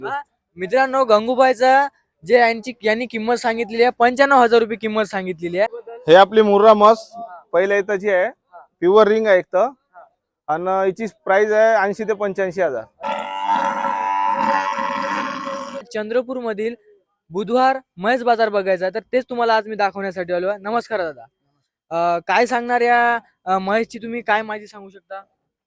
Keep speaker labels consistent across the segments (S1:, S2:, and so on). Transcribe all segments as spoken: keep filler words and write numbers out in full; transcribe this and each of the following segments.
S1: हा, मित्रांनो गंगूबाईचा जे यांची यांनी किंमत सांगितलेली आहे पंच्याण्णव हजार रुपये किंमत सांगितलेली आहे।
S2: हे आपली मुर्रा मस पहिल्या इथंची आहे, प्युअर रिंग आहे एक तर, आणि याची प्राइस आहे ऐंशी ते पंच्याऐंशी हजार।
S1: चंद्रपूर मधील बुधवार म्हैस बाजार बघायचा तर तेच तुम्हाला आज मी दाखवण्यासाठी आलो आहे। नमस्कार दादा, अं, काय सांगणार या अं, म्हैसची तुम्ही काय माहिती सांगू शकता?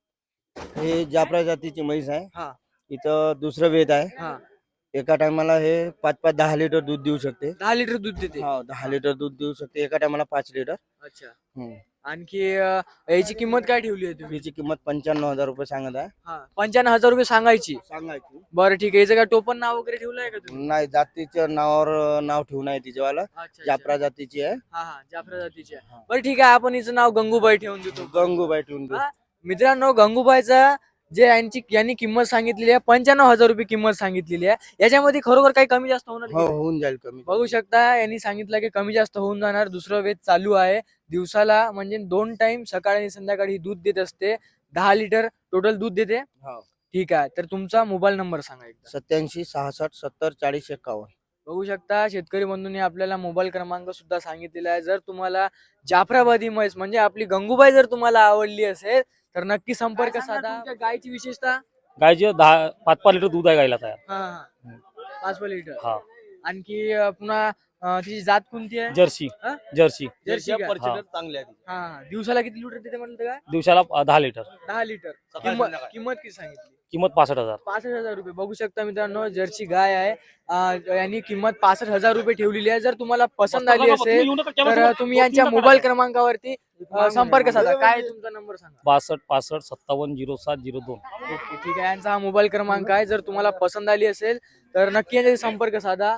S3: हे जाफरा जातीची म्हैस आहे।
S1: हा
S3: इथं दुसरं वेद आहे।
S1: हा
S3: एका टायमाला हे पाच पाच दहा लिटर दूध देऊ शकते।
S1: दहा लिटर दूध देते।
S3: हो, दहा लिटर दूध देऊ शकते एका टायमाला पाच लिटर।
S1: अच्छा,
S3: हम्म.
S1: आणखी अं, याची किंमत काय ठेवली आहे तुम्ही?
S3: हिची किंमत पंच्याण्णव हजार रुपये सांगत आहे।
S1: हा, पंच्याण्णव हजार रुपये सांगायची।
S3: सांगायची
S1: बरं ठीक आहे, याचं काय टोपण नाव वगैरे ठेवलं आहे का तुम्ही?
S3: नाही, जातीच्या नावावर नाव ठेवून आहे तिच्यावाला।
S1: अच्छा, अच्छा.
S3: जाफरा जातीची आहे।
S1: हा हा जाफरा जातीची आहे। बरं ठीक आहे, आपण हिचं नाव गंगूबाई ठेवून देतो।
S3: गंगूबाई ठेवून देऊ।
S1: हा, मित्रांनो गंगूबाईचा जे यांची यांनी किंमत सांगितलेली आहे पंच्याण्णव हजार रुपये किंमत सांगितलेली आहे। याच्यामध्ये खरोखर काही कमी जास्त होणार की
S3: हो,
S1: नाही?
S3: होऊन जाईल कमी।
S1: बघू शकता यांनी सांगितलं की कमी जास्त होऊन जाणार। दुसरं वेद चालू आहे दिवसाला, म्हणजे दोन टाइम सकाळी आणि संध्याकाळी दूध देत असते। दहा लिटर टोटल दूध देते।
S3: हो,
S1: ठीक आहे, तर तुमचा मोबाईल नंबर सांगा एकदा।
S3: सत्याऐंशी सहासष्ट सत्तर चाळीस एक्कावन्न।
S1: बघू शकता शेतकरी बंधूंनी आपल्याला मोबाईल क्रमांक सुद्धा सांगितलेला आहे। जर तुम्हाला जाफराबादी म्हैस म्हणजे आपली गंगूबाई जर तुम्हाला आवडली असेल तर नक्की संपर्क साधा। तुमच्या गायची विशेषता?
S4: गायचे दहा पाच पाच लिटर दूध आहे गायला तयार।
S1: हा हा पाच लिटर।
S4: हा,
S1: आणखी अं, पुन्हा अं, तिची जात कोणती आहे?
S4: जर्सी
S1: हा?
S4: जर्सी
S1: जर्सी का?
S3: पर्सेंटेज चांगले आहे।
S1: हा हा. दिवसाला किती लिटर देते म्हणलं काय?
S4: दिवसाला अ, दहा लिटर।
S1: दहा लिटर।
S3: सकाळी
S1: किंमत
S3: संध्याकाळी.
S1: किंमत किती सांगितली?
S4: किंमत पासष्ट हजार।
S1: पासष्ट हजार रुपये। बघू शकता मित्रांनो जर्सी गाय आहे, अं, यांनी किंमत पासष्ट हजार रुपये ठेवलेली आहे। जर तुम्हाला पसंत आली असेल तर तुम्ही यांच्या मोबाईल क्रमांकावरती अं, संपर्क साधा। काय तुमचा नंबर सांगा?
S4: बासष्ट पासष्ट सत्तावन्न झिरो सात झिरो दोन।
S1: ओके, ठीक आहे, यांचा हा मोबाईल क्रमांक आहे। जर तुम्हाला पसंत आली असेल तर नक्की यांच्याशी संपर्क साधा।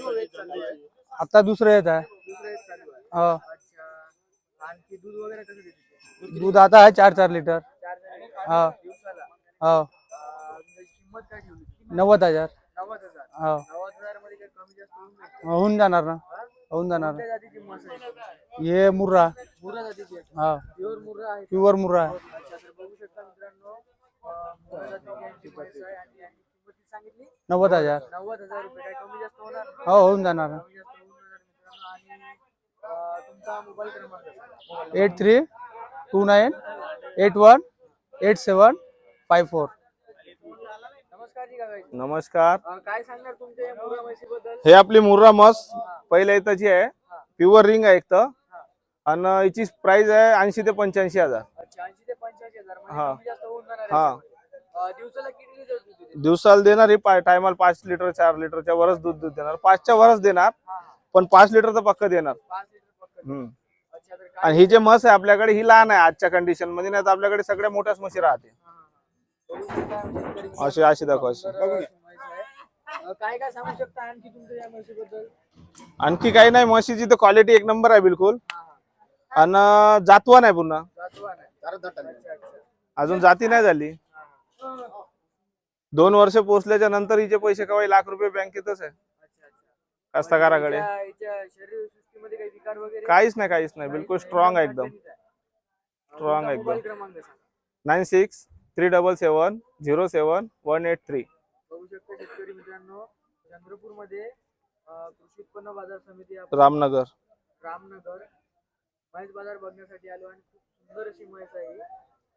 S5: आता दुसरं येत आहे। हो,
S1: अच्छा, आणखी दूध वगैरे कसं देते?
S5: दूध आता आहे चार चार लिटर।
S1: चार लिटर
S5: हा.
S1: दिवसाला।
S5: हो,
S1: अं, किंमत काय ठेवली?
S5: नव्वद हजार।
S1: नव्वद हजार।
S5: हो,
S1: नव्वद हजार मध्ये काही कमी जास्त होऊन जाईल?
S5: होऊन जाणार ना, होऊन जाणार।
S1: कोणत्या जातीची म्हस आहे?
S5: हे मुर्रा।
S1: मुर्रा जातीची आहे।
S5: हा,
S1: प्युअर मुर्रा आहे।
S5: प्युअर मुर्रा आहे।
S1: अच्छा, तर बघू शकता मित्रांनो अं, मुर्रा जातीची यांची म्हैस आहे आणि यांची किंमत किती सांगितली?
S5: नव्वद हजार।
S1: नव्वद हजार रुपये। काय कमी जास्त होणार?
S5: हो, होऊन जाणार ना।
S1: कमी जास्त होऊन जाणार मित्रांनो। आणि अं, तुमचा मोबाईल क्रमांक सांगा।
S5: Eight three two nine eight one eight seven five four.
S1: नमस्कार जी काका।
S2: नमस्कार।
S1: अं, काय सांगणार तुमच्या या मुर्रा म्हशीबद्दल?
S2: हे आपली मुर्रा मस पहिल्या इथंची आहे, प्युअर रिंग आहे एक तर, आणि याची प्राइस आहे ऐंशी ते पंच्याऐंशी हजार।
S1: अच्छा, ऐंशी ते पंच्याऐंशी हजार म्हणजे
S2: हा.
S1: कमी जास्त होऊन जाणार
S2: हा.
S1: याच्यामध्ये. अं, दिवसाला किती लिटर दूध देते?
S2: दिवसाला देणार ही टायमाला पाच लिटर चार लिटरच्या वरच दूध दूध देणार, पाचच्या वरच देणार,
S1: हा, हा.
S2: पण पाच लिटर तर पक्क देणार।
S1: पाच लिटर पक्क.
S2: हम्म.
S1: अच्छा, तर काय?
S2: आणि ही जे म्हस आहे आपल्याकडे ही लहान आहे आजच्या कंडिशन मध्ये, नाही तर आपल्याकडे सगळ्या मोठ्याच म्हशी राहते।
S1: हा, हा. बघू शकता शेतकरी
S2: अशी अशी दाखव अशी।
S1: सुंदर अशी म्हैस आहे. अं, काय काय सांगू शकता आणखी तुमच्या या म्हशीबद्दल?
S2: आणखी काही नाही, म्हशीची तर क्वालिटी एक नंबर आहे बिलकुल,
S1: हा, हा.
S2: आणि जातवान आहे पुन्हा,
S1: जातवान आहे. अच्छा, अच्छा.
S2: अजून जाती नाही झाली।
S1: हा, हा.
S2: दोन वर्ष पोहोचल्याच्या नंतर हिचे पैसे कवाई लाख रुपये बँकेतच आहे
S1: अच्छा, अच्छा.
S2: कास्तकाराकडे।
S1: हिच्या- हिच्या शरीरसृष्टीमध्ये काही विकार वगैरे?
S2: काहीच नाही काहीच नाही, बिलकुल स्ट्रॉंग आहे एकदम।
S1: स्ट्रॉंग
S2: आहे एकदम.
S1: मोबाईल क्रमांक सांगा.
S2: Nine six three double seven zero seven one eight three.
S1: बघू शकता शेतकरी मित्रांनो चंद्रपूर मध्ये कृषी उत्पन्न बाजार समिती आपण
S2: रामनगर
S1: रामनगर म्हैस बाजार बघण्यासाठी आलो आणि खूप सुंदर अशी म्हैस आहे ही.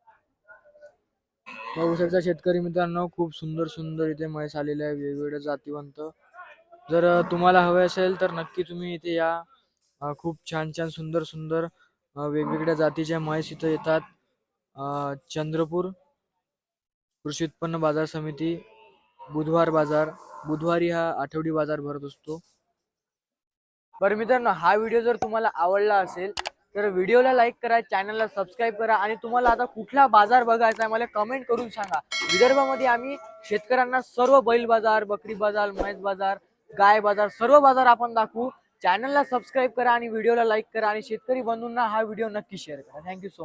S1: बघू शकता शेतकरी मित्रांनो खूप सुंदर सुंदर इथे म्हैस आलेल्या आहे वेगवेगळ्या जातीवंत। जर अं, तुम्हाला हवे असेल तर नक्की तुम्ही इथे या। अं, खूप छान छान सुंदर सुंदर अं, वेगवेगळ्या जातीच्या म्हैस इथे येतात। अं, चंद्रपूर कृषी उत्पन्न बाजार समिती बुधवार बाजार बुधवारी हा आठवडी बाजार भरत असतो। बरं मित्रांनो, हा व्हिडिओ जर तुम्हाला आवडला असेल तर व्हिडिओला लाईक करा, चॅनलला सबस्क्राईब करा आणि तुम्हाला आता कुठला बाजार बघायचा आहे मला कमेंट करून सांगा। विदर्भामध्ये आम्ही शेतकऱ्यांना सर्व बैल बाजार, बकरी बाजार, म्हैस बाजार, गाय बाजार सर्व बाजार आपण दाखवू। चॅनलला सबस्क्राईब करा आणि व्हिडिओला लाईक करा आणि शेतकरी बंधूंना हा व्हिडिओ नक्की शेअर करा। Thank you so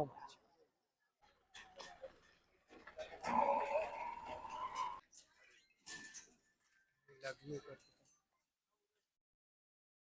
S1: much.